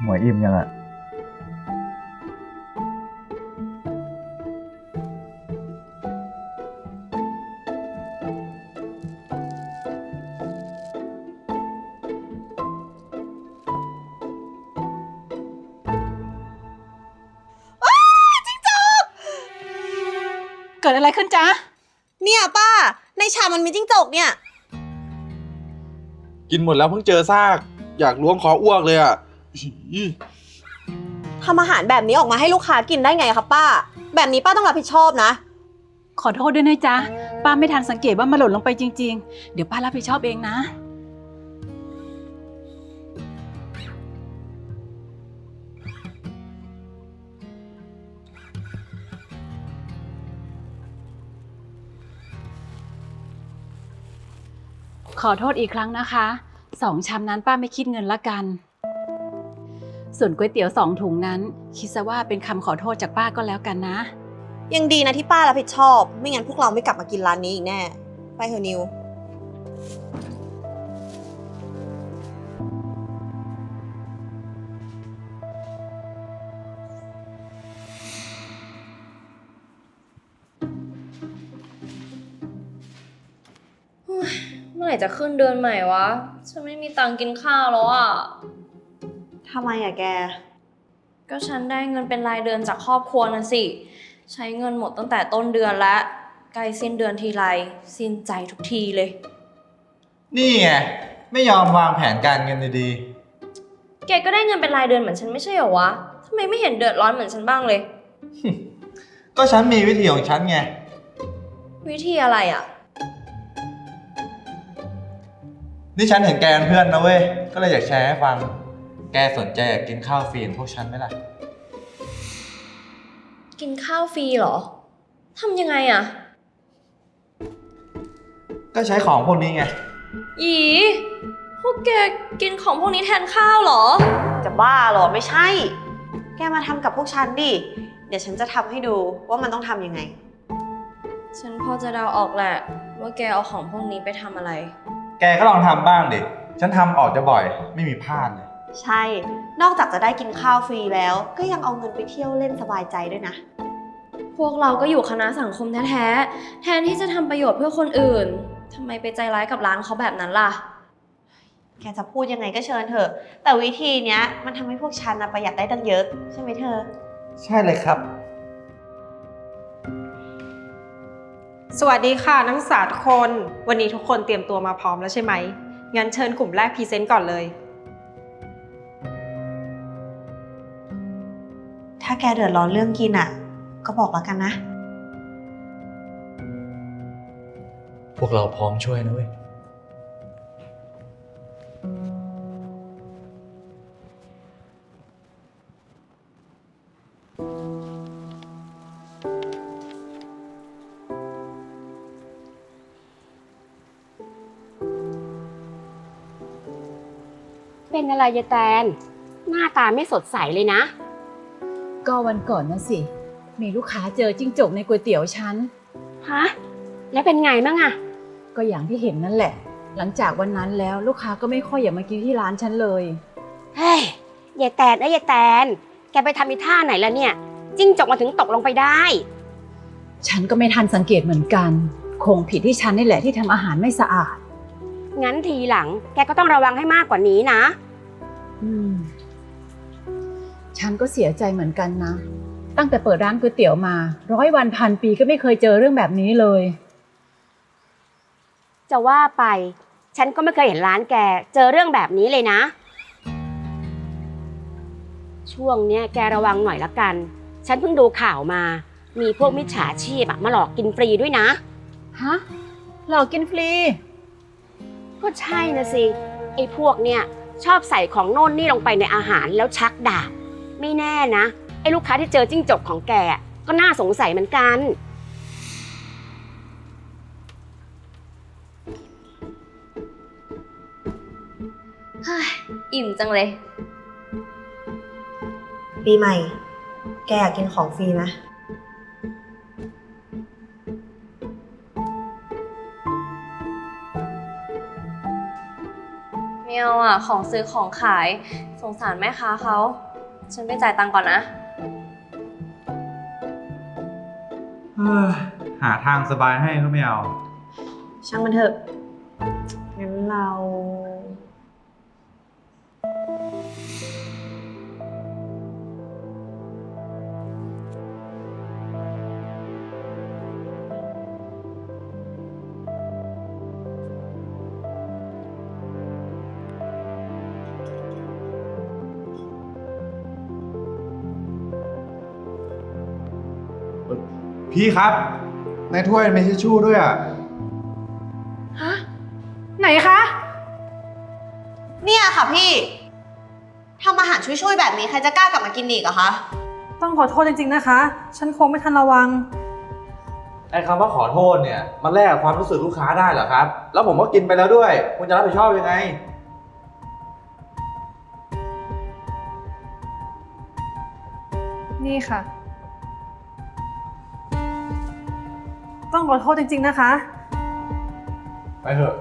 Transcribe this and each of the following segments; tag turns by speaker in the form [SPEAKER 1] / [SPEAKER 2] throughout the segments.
[SPEAKER 1] หมวยอิ่มยังอะ
[SPEAKER 2] เกิดอะไรขึ้นจ๊ะ
[SPEAKER 3] เนี่ยป้าในชามมันมีจิ้งจกเนี่ย
[SPEAKER 4] กินหมดแล้วเพิ่งเจอซากอยากล้วงคออ้วกเลยอ่ะอี
[SPEAKER 3] ทำอาหารแบบนี้ออกมาให้ลูกค้ากินได้ไงครับป้าแบบนี้ป้าต้องรับผิดชอบนะ
[SPEAKER 2] ขอโทษด้วยนะจ๊ะป้าไม่ทันสังเกตว่ามันหล่นลงไปจริงๆเดี๋ยวป้ารับผิดชอบเองนะขอโทษอีกครั้งนะคะ2 ชามนั้นป้าไม่คิดเงินละกันส่วนก๋วยเตี๋ยว2 ถุงนั้นคิดซะว่าเป็นคำขอโทษจากป้าก็แล้วกันนะ
[SPEAKER 3] ยังดีนะที่ป้ารับผิดชอบไม่งั้นพวกเราไม่กลับมากินร้านนี้อีกแน่ไปเถอะนิว
[SPEAKER 5] เมื่อไหร่จะขึ้นเดือนใหม่วะฉันไม่มีตังค์กินข้าวแล้วอ่ะ
[SPEAKER 3] ทำไมอะแก
[SPEAKER 5] ก็ฉันได้เงินเป็นรายเดือนจากครอบครัวน่ะสิใช้เงินหมดตั้งแต่ต้นเดือนแล้วใกล้สิ้นเดือนทีไรสิ้นใจทุกทีเลย
[SPEAKER 1] นี่ไงไม่ยอมวางแผนการเงินดี
[SPEAKER 5] แกก็ได้เงินเป็นรายเดือนเหมือนฉันไม่ใช่เหรอวะทำไมไม่เห็นเดือดร้อนเหมือนฉันบ้างเลย
[SPEAKER 1] ๆก็ฉันมีวิธีของฉันไง
[SPEAKER 5] วิธีอะไรอ่ะ
[SPEAKER 1] นี่ฉันเห็นแกเป็นเพื่อนนะเว้ยก็เลยอยากแชร์ให้ฟังแกสนใจอยากกินข้าวฟรีพวกฉันไหมล่ะ
[SPEAKER 5] กินข้าวฟรีเหรอทำยังไงอ่ะ
[SPEAKER 1] ก็ใช้ของพวกนี้ไง
[SPEAKER 5] อีพวกแกกินของพวกนี้แทนข้าวเหรอ
[SPEAKER 3] จะบ้าเหรอไม่ใช่แกมาทำกับพวกฉันดิเดี๋ยวฉันจะทำให้ดูว่ามันต้องทำยังไง
[SPEAKER 5] ฉันพอจะเดาออกแหละว่าแกเอาของพวกนี้ไปทำอะไร
[SPEAKER 1] แกก็ลองทำบ้างดิฉันทำออกจะบ่อยไม่มีพลาดเลย
[SPEAKER 3] ใช่นอกจากจะได้กินข้าวฟรีแล้วก็ยังเอาเงินไปเที่ยวเล่นสบายใจด้วยนะ
[SPEAKER 5] พวกเราก็อยู่คณะสังคมแท้ๆแทนที่จะทำประโยชน์เพื่อคนอื่นทำไมไปใจร้ายกับร้านเขาแบบนั้นล่ะ
[SPEAKER 3] แกจะพูดยังไงก็เชิญเถอะแต่วิธีเนี้ยมันทำให้พวกฉันนะประหยัดได้ตั้งเยอะใช่ไหมเธอ
[SPEAKER 1] ใช่เลยครับ
[SPEAKER 6] สวัสดีค่ะนักศึกษาทุกคนวันนี้ทุกคนเตรียมตัวมาพร้อมแล้วใช่ไหมงั้นเชิญกลุ่มแรกพรีเซนต์ก่อนเลย
[SPEAKER 3] ถ้าแกเดือดร้อนเรื่องกินอ่ะก็บอกแล้วกันนะ
[SPEAKER 1] พวกเราพร้อมช่วยนะเว้ย
[SPEAKER 7] เป็นอะไรยายแตนหน้าตาไม่สดใสเลยนะ
[SPEAKER 2] ก็วันก่อนนะสิมีลูกค้าเจอจิ้งจกในก๋วยเตี๋ยวฉัน
[SPEAKER 7] ฮะแล้วเป็นไงบ้างอะ
[SPEAKER 2] ก็อย่างที่เห็นนั่นแหละหลังจากวันนั้นแล้วลูกค้าก็ไม่ค่อยอยากมากินที่ร้านฉันเลย
[SPEAKER 7] เฮ้ยยายแตนยายแตนแกไปทำอีท่าไหนล่ะเนี่ยจิ้งจกมาถึงตกลงไปได้
[SPEAKER 2] ฉันก็ไม่ทันสังเกตเหมือนกันคงผิดที่ฉันนี่แหละที่ทำอาหารไม่สะอาด
[SPEAKER 7] งั้นทีหลังแกก็ต้องระวังให้มากกว่านี้นะ
[SPEAKER 2] ฉันก็เสียใจเหมือนกันนะตั้งแต่เปิดร้านก๋วยเตี๋ยวมา100 วันพันปีก็ไม่เคยเจอเรื่องแบบนี้เลย
[SPEAKER 7] จะว่าไปฉันก็ไม่เคยเห็นร้านแกเจอเรื่องแบบนี้เลยนะช่วงเนี้ยแกระวังหน่อยละกันฉันเพิ่งดูข่าวมามีพวกมิจฉาชีพมาหลอกกินฟรีด้วยนะ
[SPEAKER 2] ฮะหลอกกินฟรี
[SPEAKER 7] ก็ใช่นะสิไอ้พวกเนี่ยชอบใส่ของโน่นนี่ลงไปในอาหารแล้วชักดาบไม่แน่นะไอ้ลูกค้าที่เจอจิ้งจกของแกก็น่าสงสัยเหมือนกัน
[SPEAKER 5] อิ่มจังเลย
[SPEAKER 3] ปีใหม่แกอยากกินของฟรีไหม
[SPEAKER 5] ไม่เอาอ่ะ ของซื้อของขาย สงสารแม่ค้าเขา ฉันไปจ่ายตังค์ก่อนนะ
[SPEAKER 1] หาทางสบายให้ก็ไม่เอา
[SPEAKER 3] ช่างมันเถอะ งั้นเรา
[SPEAKER 1] พี่ครับ ในถ้วยมีทิชชู่ด้วยอ่ะ
[SPEAKER 6] ฮะ ไหนคะ
[SPEAKER 3] เนี่ยค่ะพี่ทำอาหารช่วยๆแบบนี้ใครจะกล้ากลับมากินอีกอะคะ
[SPEAKER 8] ต้องขอโทษจริงๆนะคะ ฉันคงไม่ทันระวัง
[SPEAKER 1] ไอ้คำว่าขอโทษเนี่ย มันแลกกับความรู้สึกลูกค้าได้เหรอครับ แล้วผมก็กินไปแล้วด้วย คุณจะรับผิดชอบยังไง
[SPEAKER 8] นี่ค่ะ ต้องขอโทษจริงๆนะคะ
[SPEAKER 1] ไปเถอะ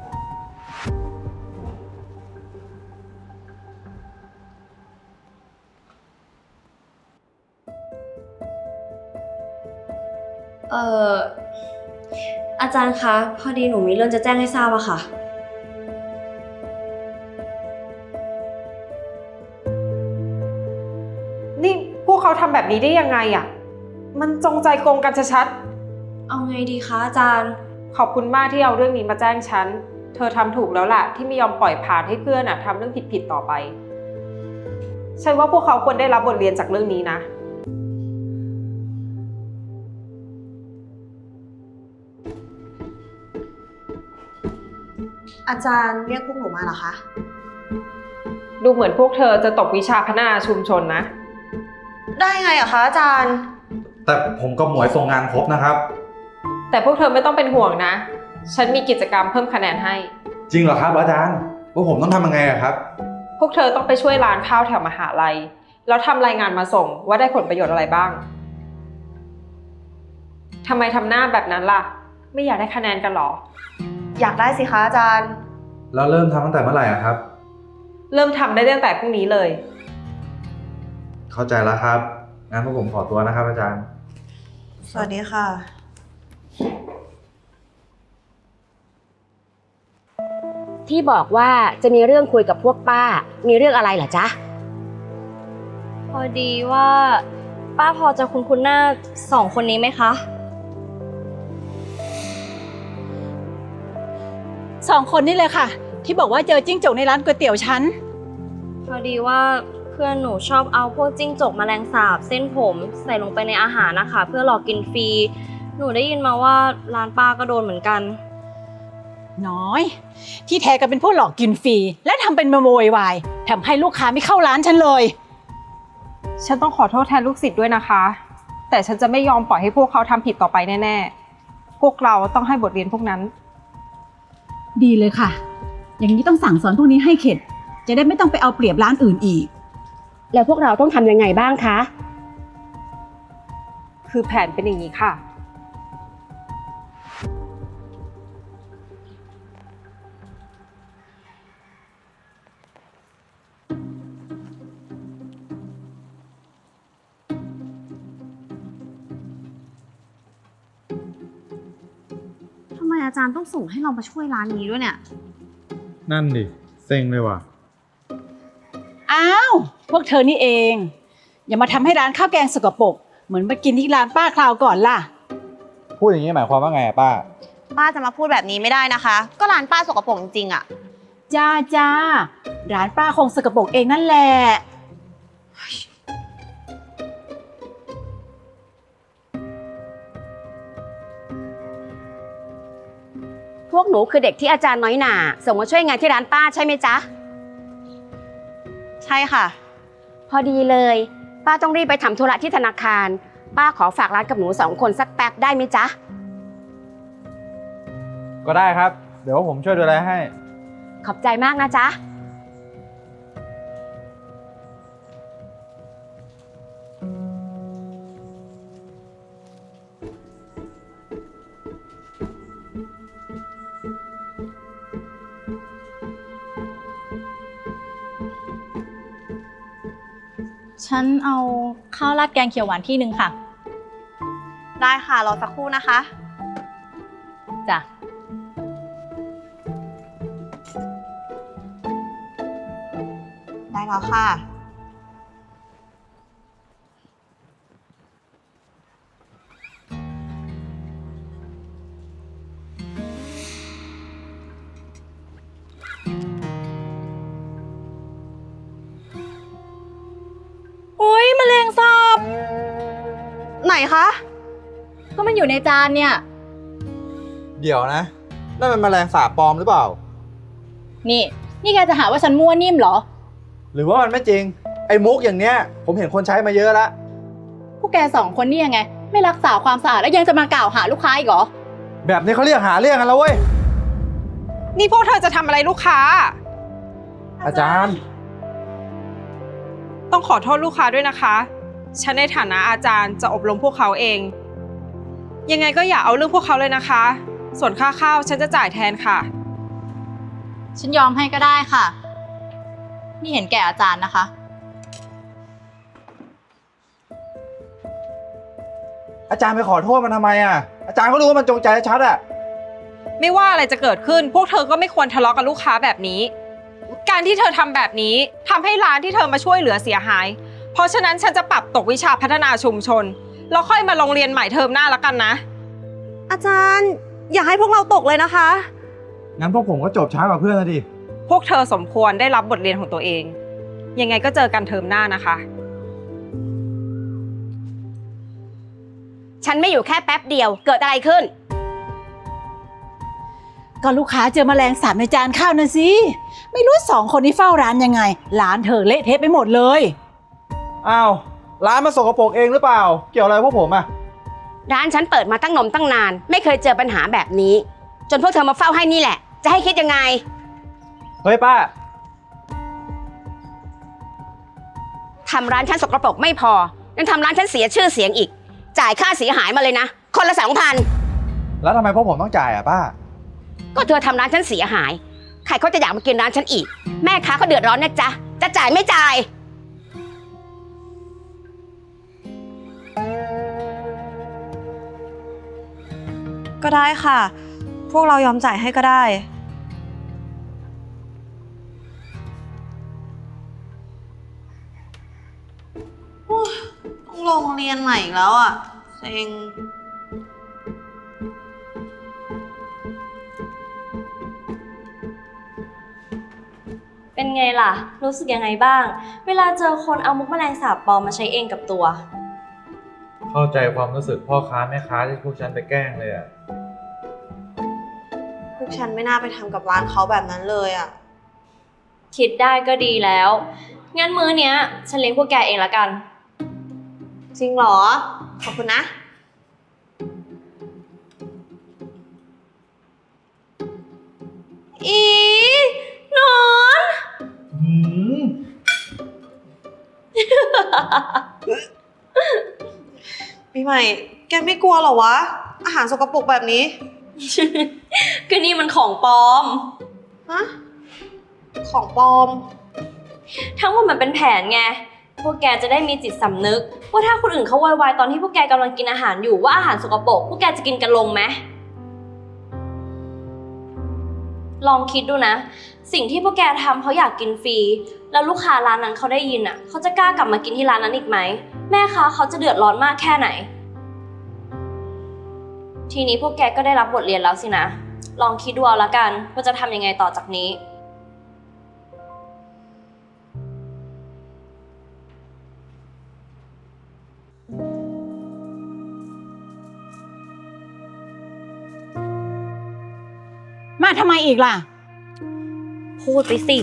[SPEAKER 5] เอ่อ อาจารย์คะ พอดีหนูมีเรื่องจะแจ้งให้ทราบอะค่ะ
[SPEAKER 6] นี่พวกเขาทำแบบนี้ได้ยังไงอะมันจงใจโกงกันชัด
[SPEAKER 5] เอาไงดีคะอาจารย์
[SPEAKER 6] ๆขอบคุณมากที่เอาเรื่องนี้มาแจ้งฉัน เธอทำถูกแล้วล่ะที่ไม่ยอมปล่อยผ่านให้เพื่อนอะทำเรื่องผิดๆต่อไป ฉันว่าพวกเขาควรได้รับบทเรียนจากเรื่องนี้นะ
[SPEAKER 3] อาจารย์เรียกพวกหนูมาเหรอคะ
[SPEAKER 6] ดูเหมือนพวกเธอจะตกวิชาพัฒนาชุมชนนะ
[SPEAKER 3] ได้ไงอะคะอาจารย์
[SPEAKER 1] แต่ผมกับหมวยส่งงานครบนะครับ
[SPEAKER 6] แต่พวกเธอไม่ต้องเป็นห่วงนะ ฉันมีกิจกรรมเพิ่มคะแนนให้
[SPEAKER 1] จริงเหรอครับอาจารย์ว่าผมต้องทำยังไงอะครับ
[SPEAKER 6] พวกเธอต้องไปช่วยร้านข้าวแถวมหาลัย แล้วทำรายงานมาส่งว่าได้ผลประโยชน์อะไรบ้าง ทำไมทำหน้าแบบนั้นล่ะ ไม่อยากได้คะแนนกันหรอ
[SPEAKER 3] อยากได้สิคะอาจารย์
[SPEAKER 1] แล้วเริ่มทำตั้งแต่เมื่อไหร่อะครับ
[SPEAKER 6] เริ่มทำได้ตั้งแต่พรุ่งนี้เลย
[SPEAKER 1] เข้าใจแล้วครับ งั้นพวกผมขอตัวนะครับอาจารย์
[SPEAKER 3] สวัสดีค่ะ
[SPEAKER 7] ที่บอกว่าจะมีเรื่องคุยกับพวกป้า มีเรื่องอะไรเหรอจ๊ะ
[SPEAKER 5] พอดีว่าป้าพอจะคุ้นๆหน้าสองคนนี้ไหมคะ
[SPEAKER 2] 2 คนนี่เลยค่ะ ที่บอกว่าเจอจิ้งจกในร้านก๋วยเตี๋ยวฉัน
[SPEAKER 5] พอดีว่าเพื่อนหนูชอบเอาพวกจิ้งจกแมลงสาบเส้นผมใส่ลงไปในอาหารนะคะ เพื่อหลอกกินฟรี หนูได้ยินมาว่าร้านป้าก็โดนเหมือนกัน
[SPEAKER 2] น้อย ที่แท้ก็เป็นพวกหลอกกินฟรีและทำเป็นมาโวยวายทำให้ลูกค้าไม่เข้าร้านฉันเลย
[SPEAKER 6] ฉันต้องขอโทษแทนลูกศิษย์ด้วยนะคะ แต่ฉันจะไม่ยอมปล่อยให้พวกเขาทำผิดต่อไปแน่ๆ พวกเราต้องให้บทเรียนพวกนั้น
[SPEAKER 2] ดีเลยค่ะ อย่างนี้ต้องสั่งสอนพวกนี้ให้เข็ด จะได้ไม่ต้องไปเอาเปรียบร้านอื่นอีก
[SPEAKER 7] แล้วพวกเราต้องทำยังไงบ้างคะ
[SPEAKER 6] คือแผนเป็นอย่างนี้ค่ะ
[SPEAKER 3] ทำไมอาจารย์ต้องส่งให้เรามาช่วยร้านนี้ด้วยเนี่ย
[SPEAKER 1] นั่นดิ เซ็งเลยว่ะ
[SPEAKER 2] อ้าว พวกเธอนี่เอง อย่ามาทำให้ร้านข้าวแกงสกปรกเหมือนมากินที่ร้านป้าคราวก่อนล่ะ
[SPEAKER 1] พูดอย่างนี้หมายความว่าไงอะป้า
[SPEAKER 3] ป้าจะมาพูดแบบนี้ไม่ได้นะคะ ก็ร้านป้าสกปรกจริงๆอะ
[SPEAKER 2] จ้าจ้าร้านป้าคงสกปรกเองนั่นแหละ
[SPEAKER 7] พวกหนูคือเด็กที่อาจารย์น้อยหน่าส่งมาช่วยงานที่ร้านป้าใช่ไหมจ๊ะ
[SPEAKER 3] ใช่ค่ะ
[SPEAKER 7] พอดีเลย ป้าต้องรีบไปทำธุระที่ธนาคาร ป้าขอฝากร้านกับหนู2 คนสักแป๊บได้ไหมจ๊ะ
[SPEAKER 1] ก็ได้ครับ เดี๋ยวผมช่วยดูแลให้
[SPEAKER 7] ขอบใจมากนะจ๊ะ
[SPEAKER 9] ฉันเอาข้าวราดแกงเขียวหวานที่หนึ่งค่ะ
[SPEAKER 3] ได้ค่ะ รอสักครู่นะคะ
[SPEAKER 9] จ้ะ
[SPEAKER 3] ได้แล้วค่ะ
[SPEAKER 9] อุ้ยแมลงสาบ
[SPEAKER 3] ไหนคะ
[SPEAKER 9] ก็มันอยู่ในจานเนี่ย
[SPEAKER 1] เดี๋ยวนะนั่นมันแมลงสาบปลอมหรือเปล่า
[SPEAKER 9] นี่แกจะหาว่าฉันมั่วนิ่มเหรอ
[SPEAKER 1] หรือว่ามันไม่จริง ไอ้มุกอย่างเนี้ย ผมเห็นคนใช้มาเยอะแล้ว
[SPEAKER 9] พวกแกสองคนนี่ยังไง ไม่รักษาความสะอาดแล้วยังจะมากล่าวหาลูกค้าอีกเหรอ
[SPEAKER 1] แบบนี้เขาเรียกหาเรื่องกันแล้วเว้ย
[SPEAKER 6] นี่พวกเธอจะทำอะไรลูกค้า
[SPEAKER 1] อาจารย์
[SPEAKER 6] ต้องขอโทษลูกค้าด้วยนะคะ ฉันในฐานะอาจารย์จะอบรมพวกเขาเอง ยังไงก็อย่าเอาเรื่องพวกเขาเลยนะคะ ส่วนค่าข้าวฉันจะจ่ายแทนค่ะ
[SPEAKER 9] ฉันยอมให้ก็ได้ค่ะ นี่เห็นแก่อาจารย์นะคะ
[SPEAKER 1] อาจารย์ไปขอโทษมันทำไมอ่ะ อาจารย์ก็รู้ว่ามันจงใจชัดอ่ะ
[SPEAKER 6] ไม่ว่าอะไรจะเกิดขึ้น พวกเธอก็ไม่ควรทะเลาะกับลูกค้าแบบนี้ การที่เธอทำแบบนี้ทำให้ร้านที่เธอมาช่วยเหลือเสียหาย เพราะฉะนั้นฉันจะปรับตกวิชาพัฒนาชุมชน แล้วค่อยมาโรงเรียนใหม่เทอมหน้าแล้วกันนะ
[SPEAKER 3] อาจารย์ อย่าให้พวกเราตกเลยนะคะ
[SPEAKER 1] งั้นพวกผมก็จบช้ากว่าเพื่อนแล้วดิ
[SPEAKER 6] พวกเธอสมควรได้รับบทเรียนของตัวเอง ยังไงก็เจอกันเทอมหน้านะคะ
[SPEAKER 7] ฉันไม่อยู่แค่แป๊บเดียว เกิดอะไรขึ้น
[SPEAKER 2] ก็ลูกค้าเจอแมลงสาบในจานข้าวน่ะสิ ไม่รู้สองคนนี้เฝ้าร้านยังไง ร้านเธอเละเทะไปหมดเลย
[SPEAKER 1] อ้าว ร้านมาสกปรกเองหรือเปล่า เกี่ยวอะไรพวกผมอ่ะ
[SPEAKER 7] ร้านฉันเปิดมาตั้งนาน ไม่เคยเจอปัญหาแบบนี้ จนพวกเธอมาเฝ้าให้นี่แหละ จะให้คิดยังไง
[SPEAKER 1] เฮ้ยป้า
[SPEAKER 7] ทำร้านฉันสกปรกไม่พอ ยังทำร้านฉันเสียชื่อเสียงอีก จ่ายค่าเสียหายมาเลยนะ คนละ 2,000
[SPEAKER 1] แล้วทำไมพวกผมต้องจ่ายอ่ะป้า
[SPEAKER 7] ก็เธอทำร้านฉันเสียหาย ใครเขาจะอยากมากินร้านฉันอีก แม่ค้าเขาเดือดร้อนนะจ๊ะ จะจ่ายไม่จ่าย
[SPEAKER 3] ก็ได้ค่ะ พวกเรายอมจ่ายให้ก็ได้โอ้ยต้องลงเรียนใหม่อีกแล้วอ่ะเซ็ง
[SPEAKER 5] เป็นไงล่ะ รู้สึกยังไงบ้าง เวลาเจอคนเอามุกแมลงสาบปลอมมาใช้เองกับตัว
[SPEAKER 1] เข้าใจความรู้สึกพ่อค้าแม่ค้าที่พวกฉันไปแกล้งเลยอ่ะ
[SPEAKER 3] พวกฉันไม่น่าไปทำกับร้านเขาแบบนั้นเลยอ่ะ
[SPEAKER 5] คิดได้ก็ดีแล้ว งั้นมื้อเนี้ยฉันเลี้ยงพวกแกเองละกัน
[SPEAKER 3] จริงเหรอ ขอบคุณนะ อีหนอน ปีใหม่ แกไม่กลัวเหรอวะ อาหารสกปรกแบบนี้
[SPEAKER 5] ก็นี่มันของปลอม
[SPEAKER 3] ฮะ ของปลอม
[SPEAKER 5] ทั้งหมดมันเป็นแผนไง พวกแกจะได้มีจิตสำนึก ว่าถ้าคนอื่นเขาโวยวายตอนที่พวกแกกำลังกินอาหารอยู่ว่าอาหารสกปรกพวกแกจะกินกันลงไหม ลองคิดดูนะ สิ่งที่พวกแกทำเพราะอยากกินฟรี แล้วลูกค้าร้านนั้นเขาได้ยินอ่ะ เขาจะกล้ากลับมากินที่ร้านนั้นอีกไหม แม่ค้าเขาจะเดือดร้อนมากแค่ไหน ทีนี้พวกแกก็ได้รับบทเรียนแล้วสินะ ลองคิดดูเอาละกันว่าจะทำยังไงต่อจากนี้
[SPEAKER 2] มาทำไมอีกล่ะ
[SPEAKER 5] พูดไปสิ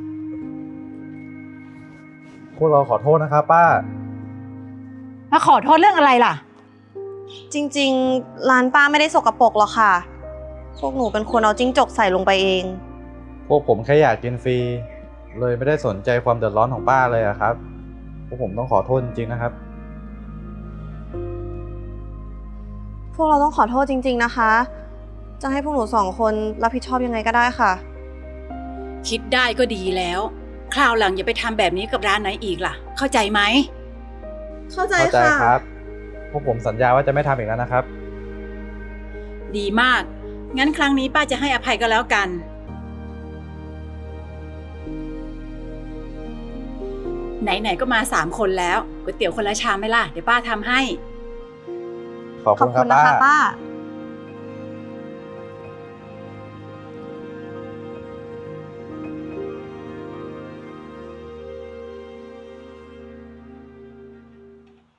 [SPEAKER 1] พวกเราขอโทษนะครับป้า
[SPEAKER 2] มาขอโทษเรื่องอะไรล่ะ
[SPEAKER 3] จริงๆ ร้านป้าไม่ได้สกปรกหรอกค่ะ พวกหนูเป็นคนเอาจิ้งจกใส่ลงไปเอง
[SPEAKER 1] พวกผมแค่อยากกินฟรี เลยไม่ได้สนใจความเดือดร้อนของป้าเลยอะครับ พวกผมต้องขอโทษจริงๆนะครับ
[SPEAKER 3] พวกเราต้องขอโทษจริงๆนะคะ จะให้พวกหนู2 คนรับผิดชอบยังไงก็ได้ค่ะ
[SPEAKER 2] คิดได้ก็ดีแล้วคราวหลังอย่าไปทำแบบนี้กับร้านไหนอีกล่ะ เข้าใจไหม
[SPEAKER 3] เข้าใจ
[SPEAKER 1] เข้าใจ
[SPEAKER 3] ค่ะ
[SPEAKER 1] ครับ พวกผมสัญญาว่าจะไม่ทำอีกแล้วนะครับ
[SPEAKER 2] ดีมาก งั้นครั้งนี้ป้าจะให้อภัยก็แล้วกัน ไหนๆก็มา3 คนแล้วก๋วยเตี๋ยวคนละชามไหมล่ะ เดี๋ยวป้าทำให้
[SPEAKER 1] ขอบ
[SPEAKER 3] ขอ
[SPEAKER 1] คุ
[SPEAKER 3] บ
[SPEAKER 1] ณค
[SPEAKER 3] คุ
[SPEAKER 1] รับ
[SPEAKER 3] ณนะคะ
[SPEAKER 1] ป้า
[SPEAKER 3] ป้า